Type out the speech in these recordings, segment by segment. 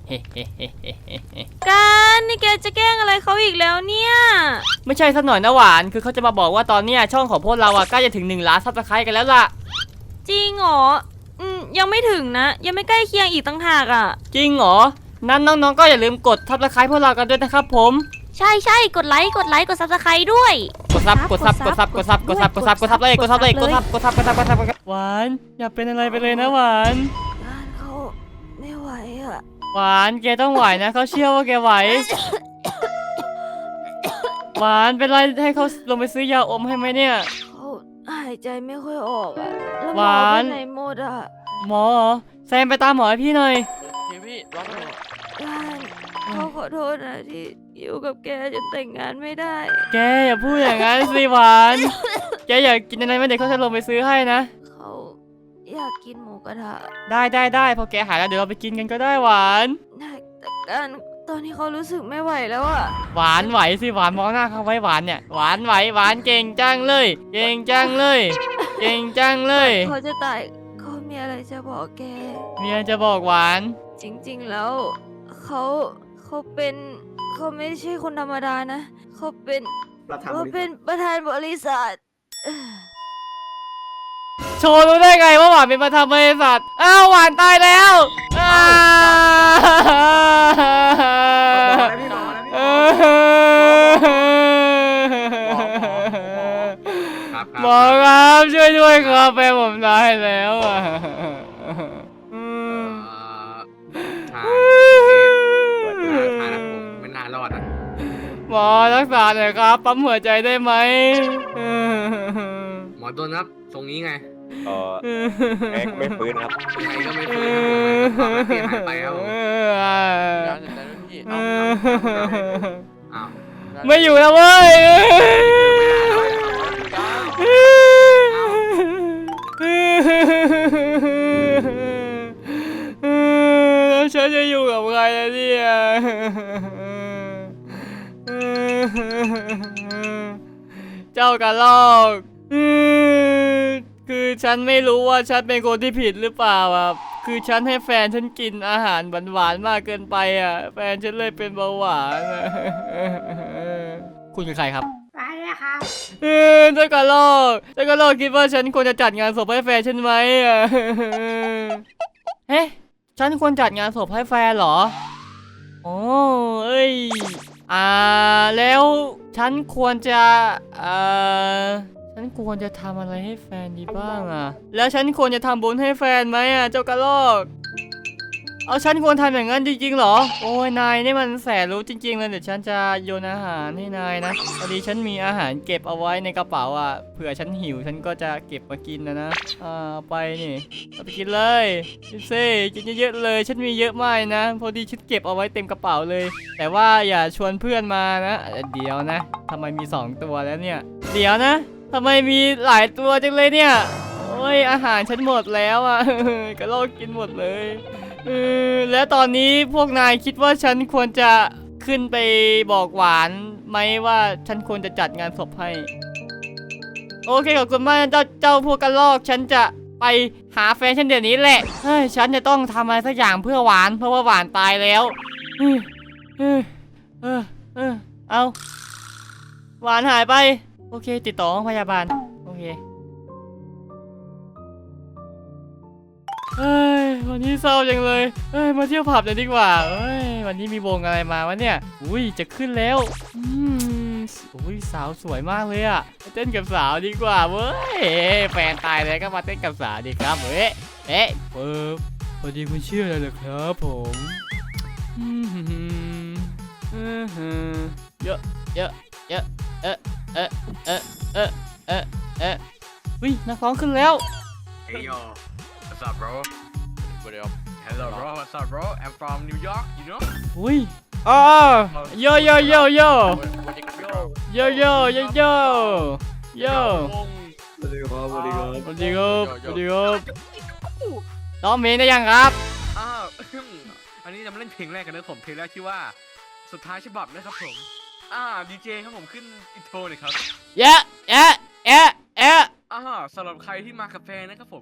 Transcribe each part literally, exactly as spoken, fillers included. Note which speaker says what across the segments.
Speaker 1: กันนี่แกจะแกล้งอะไรเขาอีกแล้วเนี่ย
Speaker 2: ไม่ใช่สักหน่อยนะหวานคือเขาจะมาบอกว่าตอนเนี้ยช่องของพวกเราอะใกล้จะถึงหนึ่งล้านซับสไครต์กันแล้วล่ะ
Speaker 1: จริงเหรออืมยังไม่ถึงนะยังไม่ใกล้เคียงอีกตั้งหากอ่ะ
Speaker 2: จริงเหรอนั้นน้องๆก็อย่าลืมกดซับสไครต์พวกเรากันด้วยนะครับผม
Speaker 1: ใช่ใช่กดไลค์กดไลค์กดซับสไครต์ด้วย
Speaker 2: กดซับกดซับกดซับกดซับกดซับกดซับกดซับเลยกดซับเลยกดซับกดซับกดซับกดซับหวานอย่าเป็นอะไรไปเลยนะหวาน
Speaker 1: งานเขาไม่ไหวอ่ะ
Speaker 2: หวานแกต้องไหวนะเขาเชื่อว่าแกไหวหวานเป็นไรให้เขาลงไปซื้อยาอมให้ไหมเนี่ย
Speaker 1: เขาหายใจไม่ค่อยออกอ่ะแล้วห
Speaker 2: ห
Speaker 1: มอ
Speaker 2: วาน
Speaker 1: ไปไหนหมดอ่ะ
Speaker 2: หมอเหรอแซมไปตามหมอให้พี่หน่อย
Speaker 3: พี่พี่ร้องไห้
Speaker 1: งานเขาขอโทษนะที่อยู่กับแกจนแต่งงานไม่ได้
Speaker 2: แกอย่าพูดอย่างนั้นสิหวานแกอยากกินอะไรไหมเดี๋ยวเขาจะลงไปซื้อให้นะ
Speaker 1: เขาอยากกินหมูกระทะ
Speaker 2: ได้ได้ได้พอแกหายแล้วเดี๋ยวเราไปกินกันก็ได้หวาน
Speaker 1: แต่กันตอนนี้เขารู้สึกไม่ไหวแล้วอะ
Speaker 2: หวานไหวสิหวานมองหน้าเขาไว้หวานเนี่ยหวานไหวหวานเก่งจังเลยเก่งจังเลยเก่งจังเลย
Speaker 1: เขาจะตายเขามีอะไรจะบอกแก
Speaker 2: เมียจะบอกหวาน
Speaker 1: จริงๆแล้วเขาเขาเป็นเขาไม่ใช่คนธรรมดานะเขาเป็นเขาเป็นประธานบริษัท
Speaker 2: โชว์รู้ได้ไงว่าหวานเป็นประธานบริษัทอ้าวหวานตายแล้วหมอครับช่วยด้วยครับแฟนผมตายแล้วอ่ะ
Speaker 3: ทางทางผมไม่น่ารอดอ่ะ
Speaker 2: หมอรักษาหน่อยครับปั๊มหัวใจได้ไหม
Speaker 3: หมอโดนครับตรงนี้ไง
Speaker 4: เออแม็กไม่ฟื้นครับ
Speaker 3: ยังไงก็ไม่ฟื้นครับผมเปลี่ยนหายไปครับผม
Speaker 2: ไม่อยู่แล้วเว้ยฉันจะอยู่กับใครเนี่ยเจ้ากระรอกคือฉันไม่รู้ว่าฉันเป็นคนที่ผิดหรือเปล่าอ่ะคือฉันให้แฟนฉันกินอาหารหวานๆมากเกินไปอ่ะแฟนฉันเลยเป็นเบาหวานคุณคือใครครับ
Speaker 5: ไปเลยครับ
Speaker 2: เออเจ้ากระรอกเจ้ากระรอกคิดว่าฉันควรจะจัดงานศพให้แฟนฉันไหมอ่ะเฮ้ฉันควรจัดงานศพให้แฟนเหรอโอ้เอ้ยอ่าแล้วฉันควรจะเอ่อฉันควรจะทำอะไรให้แฟนดีบ้างอ่ะแล้วฉันควรจะทำบุญให้แฟนไหมอ่ะเจ้ากระรอกเอาฉันควรทำอย่างนั้นจริงๆเหรอโอ้ยนายนี่มันแสนรู้จริงๆเลยเดี๋ยวฉันจะโยนอาหารให้นายนะพอดีฉันมีอาหารเก็บเอาไว้ในกระเป๋าอ่ะเผื่อฉันหิวฉันก็จะเก็บมากินนะนะอ่าไปนี่เอาไปกินเลยกินซิกินเยอะๆเลยฉันมีเยอะมากนะพอดีฉันเก็บเอาไว้เต็มกระเป๋าเลยแต่ว่าอย่าชวนเพื่อนมานะเดี๋ยวนะทำไมมีสองตัวแล้วเนี่ยเดี๋ยวนะทำไมมีหลายตัวจังเลยเนี่ยโอ้ยอาหารฉันหมดแล้วอ่ะกระรอกกินหมดเลยเออแล้วตอนนี้พวกนายคิดว่าฉันควรจะขึ้นไปบอกหวานไหมว่าฉันควรจะจัดงานศพให้โอเคขอบคุณมากเจ้าเจ้าพวกกระรอกฉันจะไปหาแฟนฉันเดี๋ยวนี้แหละเฮ้ยฉันจะต้องทำอะไรสักอย่างเพื่อหวานเพราะว่าหวานตายแล้วเออเออเออเออเอาหวานหายไปโอเคติดต่อห้องพยาบาลโอเคเฮ้ยวันนี้เศร้าจังเลยเฮ้ยมาเที่ยวผับหน่อยดีกว่าเฮ้ยวันนี้มีวงอะไรมาวะเนี่ยอุ้ยจะขึ้นแล้วอืมอุ้ยสาวสวยมากเลยอะไปเต้นกับสาวดีกว่าเว้ยแฟนตายแล้วก็มาเต้นกับสาวดีครับเฮ้ยเอ๊ะเออพอดีคุณชื่ออะไรเหรอครับผมอืมเยอะเยอะเยอะเอ๊ะเอ๊ะเอ๊ะเอ๊ะเอ๊ะเอ๊ะอุ้ยนักร้องขึ้นแล้ว
Speaker 3: Hey yo what's up bro what up hello bro what's up bro I'm from New York you know
Speaker 2: อุ้ยอ๋อโยโยโยโยโยโยโยโยโยโย
Speaker 4: สวัสดีครับสวัสดีครับ
Speaker 2: สวัสดีครับสวัสดีครับร้องเพลงได้ยังครับ
Speaker 3: อ้าวอันนี้จะมาเล่นเพลงแรกกันนะผมเพลงแรกชื่อว่าสุดท้ายฉบับนะครับผมอ่าดีเจครับผมขึ้นอินโทรหน่อยครับ
Speaker 2: เยอะเยอะเยอะเยอะ
Speaker 3: อ่าสำหรับใครที่มากับแฟนนะครับผม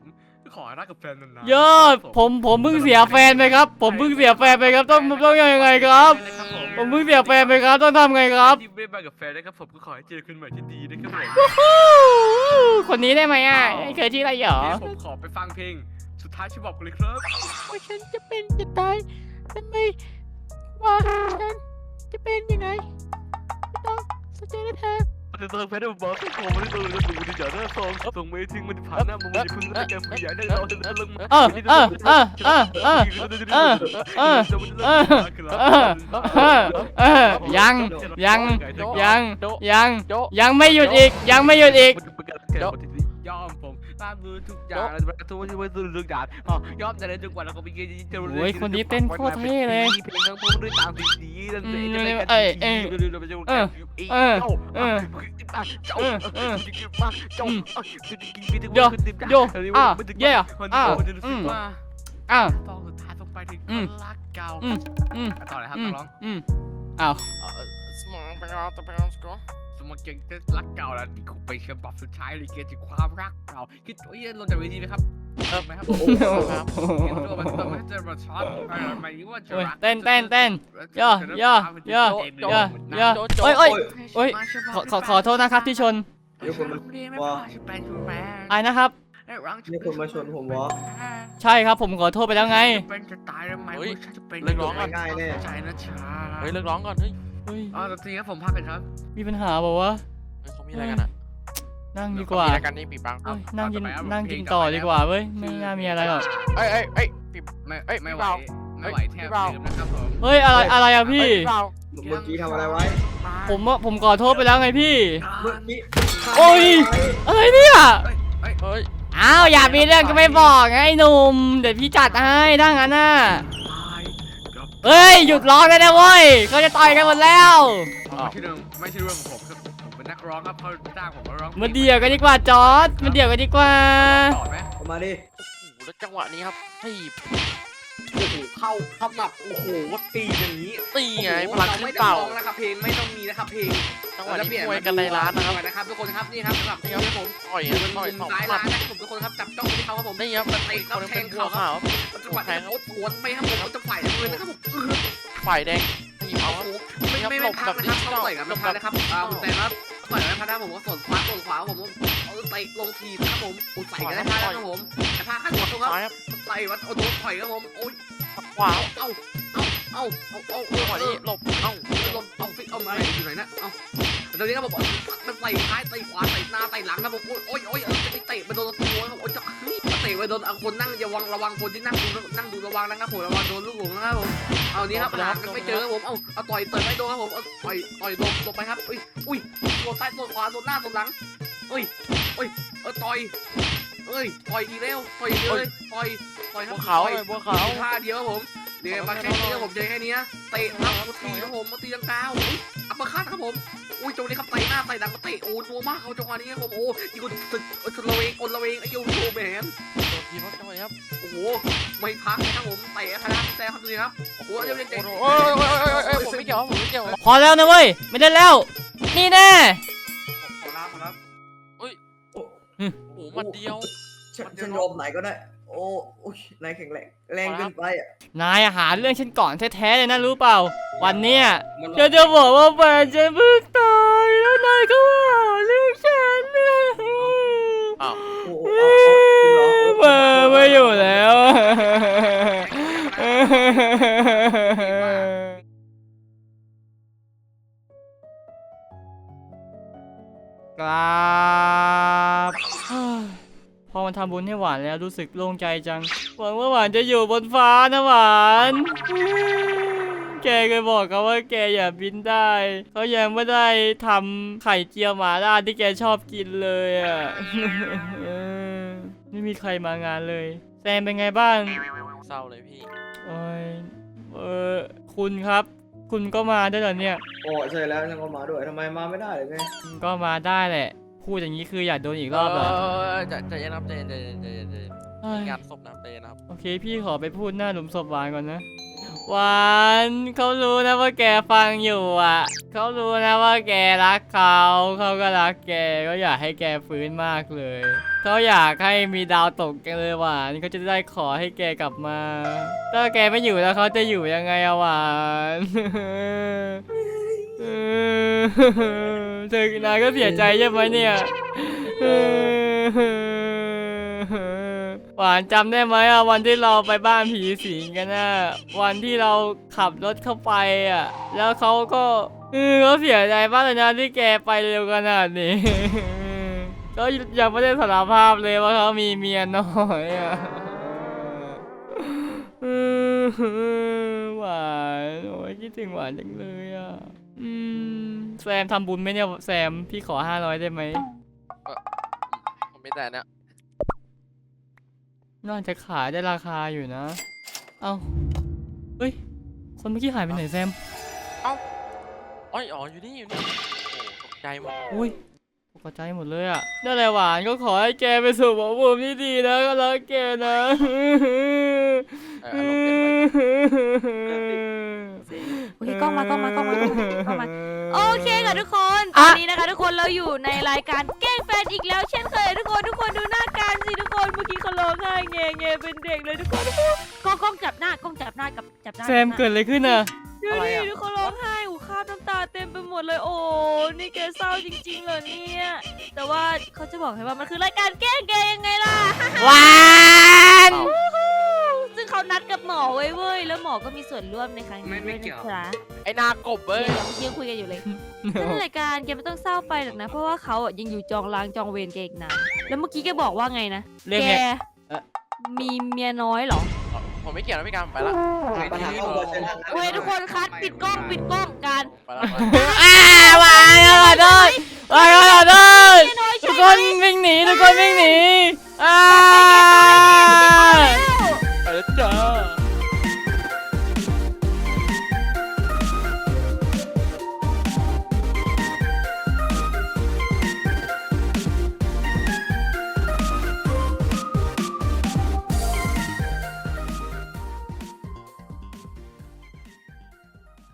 Speaker 3: ขอรักกับแฟนนานๆ
Speaker 2: ยอดผมผมเพิ่งเสียแฟนไปครับ ผมเพิ่งเสียแฟนไปครับต้องต้องยังไงครับ ผมเพิ่งเสียแฟนไปครับต้องทำไงครับ
Speaker 3: ที่ไม่มากับแฟนนะครับผมก็ขอให้เจอคนใหม่ที่ดีนะครับผม
Speaker 2: คนนี้ได้ไหมอ่ะไอ้เคยที่ไรหรอ
Speaker 3: เดี๋ยวผมขอไปฟังเพลงสุดท้ายที่บอกกันเลยครับ
Speaker 5: ว่าฉันจะเป็นจะตายทำไมว่าฉันจะเป็นยังไงไม่ต้องสนใจนะเธอ
Speaker 3: มันจะเติมแฟนได้บอกว่าผมไม่ได้ตัวเลยก็ดูดีเดี๋ยวหน้าซองส่งไม่ทิ้งมันผ่านหน้ามันไม่พึ่งแล้วแกผู้ใหญ่ได้เราจะได้ลงมา
Speaker 2: เออเออเออเออเออเออเออเออเออเออยังยังยังยังยังไม่หยุดอีกยังไม่หยุดอีก
Speaker 3: ยอมผมตามดูทุกอย่างแล้วทุกที่ว่าดูทุกอย่างอ๋อยอมแต่ในทุกวันเราก็มีเงินจะ
Speaker 2: โอ้ยคนนี้เต้นโคตรเท่เลย
Speaker 3: เพลงทั้งพวกด้วยตามสิ่งนี้นั่นเองจะเป็นการดีเราจะ
Speaker 2: เออเออเออ
Speaker 3: เจ้า
Speaker 2: เออเออ
Speaker 3: เจ้า
Speaker 2: โยโยอ่ะเย่อ่ะอืมอ่ะ
Speaker 3: ตอนสุดท้ายต้องไปถึง
Speaker 2: อืม
Speaker 3: รักเก่า
Speaker 2: อืมอืม
Speaker 3: ต่อเลยครับ
Speaker 2: อืม
Speaker 3: ร้อง
Speaker 2: อืมอ้าว
Speaker 5: สมองไปเอาตัวไปเอาสกอร์
Speaker 3: สมมติเก่งจะรักเก่าแล้วนี่คงเป็นฉบับสุดท้ายเลยเกี่ยวกับความรักเก่าคิดว่าเราจะวิธีไหมครับเออไหมครับ
Speaker 5: ครับ
Speaker 3: ตัวมันตัวมันจะมาช็อตหมายถึงว่าจะรัก
Speaker 2: เต้นเต้นเต้นย่อย่อย่อย่อย่อโอ้ยโอ้ยโอ้ยขอขอขอโทษนะครับที่ชน
Speaker 4: เดี๋ยวคนว่า
Speaker 2: ไอ้นะครับ
Speaker 4: มีคนมาชนผมวะ
Speaker 2: ใช่ครับผมขอโทษไปแล้วไง
Speaker 3: เป็นจะตายทำไม
Speaker 5: เฮ้ย
Speaker 3: ฉันจะเป็น
Speaker 5: เลิกร้องก่อน
Speaker 4: ง่ายแน่
Speaker 3: ใจนะชา
Speaker 5: เฮ้ยเลิกร้องก่อนเฮ้ย
Speaker 2: เฮ้ย
Speaker 3: อ๋อตอนนี้ครับผมพักกันครับ
Speaker 2: มีปัญหาบอกว่า
Speaker 5: เฮ้ยเขามีอะไรกันอ่ะ
Speaker 2: นั่งดีกว่า
Speaker 5: มีอะไรกันนี่ปีบัง
Speaker 2: เอ้ยนั่งกินนั่งกินต่อดีกว่าเว้ยไม่น่ามีอะไรหรอก
Speaker 5: เอ้ยเอ้ยเอ้ยปี
Speaker 3: ไม่
Speaker 5: เอ้ย
Speaker 3: ไม่
Speaker 5: พี่
Speaker 3: ไหว
Speaker 5: เบา
Speaker 3: ไม่ไหว
Speaker 5: เอ้ย
Speaker 3: แท
Speaker 5: พี่
Speaker 3: บ
Speaker 5: เบา
Speaker 3: ลืมนะครับผม
Speaker 2: เฮ้ยอะไรอะไรอะพี่
Speaker 5: เอ้ยเปล่า
Speaker 4: เมื่อกี้ทำอะไรไว้
Speaker 2: ผมว่าผมขอโทษไปแล้วไงพี่
Speaker 4: เมื่อกี้
Speaker 2: โอ้ย อะไรเนี่ย
Speaker 3: เฮ้ยเฮ้ย
Speaker 5: เฮ้ย
Speaker 2: อ้าวอยากมีเรื่องก็ไม่บอกไงไอ้หนุ่มเดี๋ยวพี่จัดให้ถ้างั้นน่ะ
Speaker 3: ตายกับ
Speaker 2: เฮ้ยหยุดร้องได้แล้วเว้ยเขาจะต่อยกันหมดแล้ว
Speaker 3: ไม่ใช่เรื่องไม่ใช่เรื่องของผมครับผมเป็นนักร้องครับเขาจ้างผมมาร้อง
Speaker 2: มาเดี่ยวกันดีกว่าจอร์ดมาเดี่ยวกันดีกว่า
Speaker 3: ต่อไหม
Speaker 4: เอามาดิ
Speaker 5: โอ้โหแล้วจังหวะนี้ครับทีบ
Speaker 3: โอ้โหเข้าเข้าหนับโอ้โหตีอย่างนี้
Speaker 5: ตีไงพลังขึ้นเต่า
Speaker 3: ไม่ต้องร้องนะครับเพลงไม่ต้องมีนะครับเพลง
Speaker 5: จังหวะนี้มวยกันในร้านนะครับ
Speaker 3: นะครับทุกคนครับนี่ครับสำหรับ
Speaker 5: นี่
Speaker 3: นี่
Speaker 5: ค
Speaker 3: ค
Speaker 5: รั
Speaker 3: รั
Speaker 5: บบ
Speaker 3: ผม
Speaker 5: ต่อย
Speaker 3: อยู่บน
Speaker 5: ต่อย
Speaker 3: มุม
Speaker 5: สอง
Speaker 3: ซ้าย
Speaker 5: หมั
Speaker 3: ร้า
Speaker 5: ด
Speaker 3: นนะครับผมทุกคนครับจับจ้องไปที่เขาครับผม
Speaker 5: นี่ครับ
Speaker 3: เตะครับแทง
Speaker 5: ขาว
Speaker 3: เขา
Speaker 5: ขาว
Speaker 3: จังหวะนี้โอ้สวนไปครับผมจะฝ่ายเลยนะครับผม
Speaker 5: ฝ่ายแดงทีบเอาครับ
Speaker 3: ไม่ไม่ไม่พักนะครับต้องต่อยกับไม่พักนะครับอ่าผมแต่ครับต่อยกับไม่พักนะผมก็ส่วนขวาส่วนขวาผมเอาเตะลงทีนะครับผมอุดใส่กันได้พักนะครับผมแต่พักข้างหัวตรงครับ
Speaker 5: ซ้ายครับ
Speaker 3: ใส่วัดโอ้โดนต่อยครับผมโอ้ย
Speaker 5: ขวา
Speaker 3: เอ้าเอ้าเอ้าเอ้าเอ้า
Speaker 5: จังหวะนี้หลบเอ้า
Speaker 3: ลงเอาฟิกเอาอะไรอยู่ไหนนะเอ้าตอนนี้ครับผมมันใส่ท้ายใส่ขวาใส่หน้าใส่หลังครับผมโอ้ยโอ้ยโอ้ยจะไปเตะไปโดนตัวครับโอ้ยจะเตะไปโดนคนนั่งอย่าวังระวังคนที่นั่งดูนั่งดูระวังนะครับผมระวังโดนลูกหลงนะครับผมเอานี้ครับหากันไม่เจอครับผมเอาเอาต่อยเตะไม่โดนครับผมเอาต่อยต่อยลงลงไปครับอุ้ยอุ้ยตัวซ้ายตัวขวาตัวหน้าตัวหลังอุ้ยอุ้ยเออต่อยเอ้ยต่อยอีกแล้วต่อยอีกเลยต่อยต่อยค
Speaker 5: บั
Speaker 3: รับ
Speaker 5: วขาวเลยบัวขาว
Speaker 3: ท่าเดียวครับผมเดี๋ยวมาแค่นี้ครับผมเจอแค่นี้เตะอัพตีครับผมมาตีลังกาอัปเปอร์คัตครับผมอุ้ยจังหวะนี้ครับเตะหน้าเตะหลังมาเตะโอ้นัวมากเขาจังหวะนี้ครับผมโอ้ยกูสึกชนละเวงอนละเวงไอ้ยูโรแมน
Speaker 5: โดนทีบครับจังหวะนี้ครับ
Speaker 3: โอ้โหไม่พักนะครับผมเตะคณะแซ่ครับดูดิครับโอ้โหเดี๋ยวเดี๋ยว
Speaker 5: โอ้
Speaker 3: เดี๋ยว
Speaker 5: โหโอ้ยโอ้ยโอ้ยโอ้ยผมไม่เกี่ยวผมไม่เกี่ยว
Speaker 2: พอแล้วนะเว้ยไม่ได้แล้ว นี่แน่
Speaker 3: ขอรับขอรับ
Speaker 5: โอ้โหมันเดียว
Speaker 4: ฉันฉันยอมไหนก็ได้ โอ้โอ้ยนายแข็งแรงแรงเกินไปอ่ะ
Speaker 2: นายอาหารเรื่องฉันก่อนแท้ๆเลยนะรู้เปล่า วันเนี้ยจะจะบอกว่าแฟนฉันเพิ่งตายแล้วนายก็ว่าเรื่องฉันเนี่ย
Speaker 5: อ้าว
Speaker 4: โอ้โหเอาเอาจริงเหรอ
Speaker 2: มาไม่อยู่แล้ว กราบ พอมันทำบุญให้หวานแล้วรู้สึกโล่งใจจัง หวังว่าหวานจะอยู่บนฟ้านะหวาน แกเคยบอกเขาว่าแกอย่าบินได้เขายังไม่ได้ทำไข่เจียวหม่าล่าที่แกชอบกินเลยอ่ะ ไม่มีใครมางานเลยแซมเป็นไงบ้าง
Speaker 5: เศร้าเลยพี่
Speaker 2: โอ้ยเออคุณครับ คุณก็มาได้เหรอเนี่ย
Speaker 4: โอ้ใช่แล้วฉันก็มาด้วยทำไมมาไม่ได้เลยไง
Speaker 2: ก็มาได้แหละ พูดอย่างนี้คืออยากโดนอีกรอบเหรอ
Speaker 5: จะจะยันน้ำใจใจใจใจ
Speaker 2: เฮ้ย
Speaker 5: งานศพน้ำใจนะครับ
Speaker 2: โอเคพี่ขอไปพูดหน้าหลุมศพหวานก่อนนะหวานเขารู้นะว่าแกฟังอยู่อ่ะเขารู้นะว่าแกรักเขาเขาก็รักแกก็อยากให้แกฟื้นมากเลยเขาอยากให้มีดาวตกแกเลยหวานเขาจะได้ขอให้แกกลับมาถ้าแกไม่อยู่แล้วเขาจะอยู่ยังไงอะหวานเธอนายก็เสียใจใช่ไหมเนี่ยหวานจำได้ไหมอะวันที่เราไปบ้านผีสิงกันอะวันที่เราขับรถเข้าไปอะแล้วเขาก็เออเขาเสียใจมากเลยนะที่แกไปเร็วขนาดนี้ก็ยังไม่ได้สารภาพเลยว่าเขามีเมียน้อยอะหวานโอ้ยคิดถึงหวานจังเลยอะอืมแซมทำบุญไหมเนี่ยแซมพี่ขอห้าร้อยได้ไหม
Speaker 6: ผมไม่แต่เนี่ย
Speaker 2: น่าจะขายได้ราคาอยู่นะ เอ้า เฮ้ย คนเมื่อกี้หายไปไหนแซม
Speaker 6: อ๋ออ๋ออยู่นี่อยู่นี่โอ้ตกใจหมด
Speaker 2: อุ้ยตกใจหมดเลยอ่ะนั่นแหละหวานก็ขอให้แกไปสู่ภพภูมิที่ดีนะก็รักแกนะ
Speaker 6: เอออารมณ์เป็นไว้
Speaker 1: โอเคกล้องมากล้องมากล้องมากล้องมากล้องมาโอเคค่ะทุกคนต
Speaker 2: อ่ะ
Speaker 1: อนนี้นะคะทุกคนเราอยู่ในรายการแกล้งแฟนอีกแล้ว เช่นเคยทุกคนทุกคนดูหน้าการสิทุกคนเมื่อกี้เขาร้องไห้แงแงเป็นเด็กเลยทุกคนทุกคนกล้องกล้องจับหน้ากล้องจับหน้ากับจับหน้า
Speaker 2: แซมเกิดอะไรขึ้นอ่ะ
Speaker 1: ดูดิทุกคนร้องไห้หูคราบน้ำตาเต็มไปหมดเลยโอ้นี่แกเศร้าจริงๆเหรอเนี่ยแต่ว่าเขาจะบอกให้ว่ามันคือรายการแกล้งแกยังไงล่ะ
Speaker 2: หวาน
Speaker 1: ซึ่งเขานัดกับหมอไว้เว้ยแล้วหมอก็มีส่วนร่วมในครั้งนี้
Speaker 3: ไม่ไม่
Speaker 1: ด้วย
Speaker 3: เกี่ยว
Speaker 1: นะครับ
Speaker 6: ไอ้นากบเว้ย
Speaker 1: เดี๋ยวเมื่อกี้ยังคุยกันอยู่เลย นั่นรายการแกไม่ต้องเศร้าไปหรอกนะ เพราะว่าเขาอ่ะยังอยู่จองล้างจองเวรแกอีกนานแล้วเมื่อกี้แกบอกว่าไงนะ
Speaker 2: เรื่อง
Speaker 1: แก
Speaker 2: ไงเอ่อ
Speaker 1: มีเมียน้อยเหรอ
Speaker 6: ผมไม่เกี่ยวนะพี่การผมไปละ
Speaker 4: ปัญหาครอบครัวเชิญครับ
Speaker 1: โอเคทุกคนคัดปิดกล้องปิดกล้องกัน
Speaker 6: ไปละไปละ
Speaker 2: อ้าวหวานขอโทษหวานขอโทษ
Speaker 1: เมียน้อย
Speaker 2: ทุ
Speaker 1: ใช่
Speaker 2: ก
Speaker 1: ไห
Speaker 2: ค
Speaker 1: ม
Speaker 2: นวิ่งหนีทุกคนวิ่งหนีอ้า